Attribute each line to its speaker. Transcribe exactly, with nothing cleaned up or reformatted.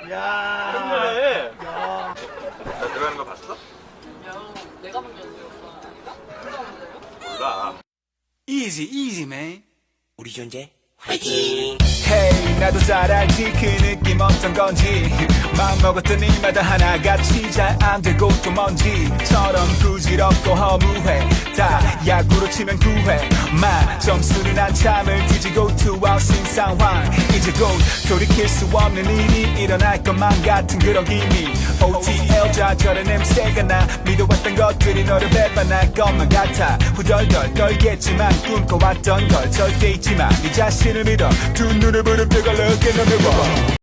Speaker 1: 야.
Speaker 2: 팬이네.
Speaker 1: 야.
Speaker 2: 나 들어가는 거 봤어?
Speaker 3: 야, 내가 본 게 아니라 오빠 아닌가? 누가 본 거예요?
Speaker 2: 몰라.
Speaker 4: Easy, easy, man.
Speaker 5: 우리 존재 화이팅!
Speaker 4: Hey, 나도 잘 알지 그 느낌 어떤 건지 마음먹었던 일마다 하나같이 잘 안 되고 또 먼지처럼 부질없고 허무해 다 야구로 치면 구회 마 점수는 한참을 뒤지고 투아웃인 상황 이제 곧 돌이킬 수 없는 일이 일어날 것만 같은 그런 기미 오티엘 좌절의 냄새가 나 믿어왔던 것들이 너를 배반할 것만 같아 후덜덜 떨겠지만 꿈꿔왔던 걸 절대 잊지마 네 자신을 믿어 두 눈을 부릅뜨고 look in the mirror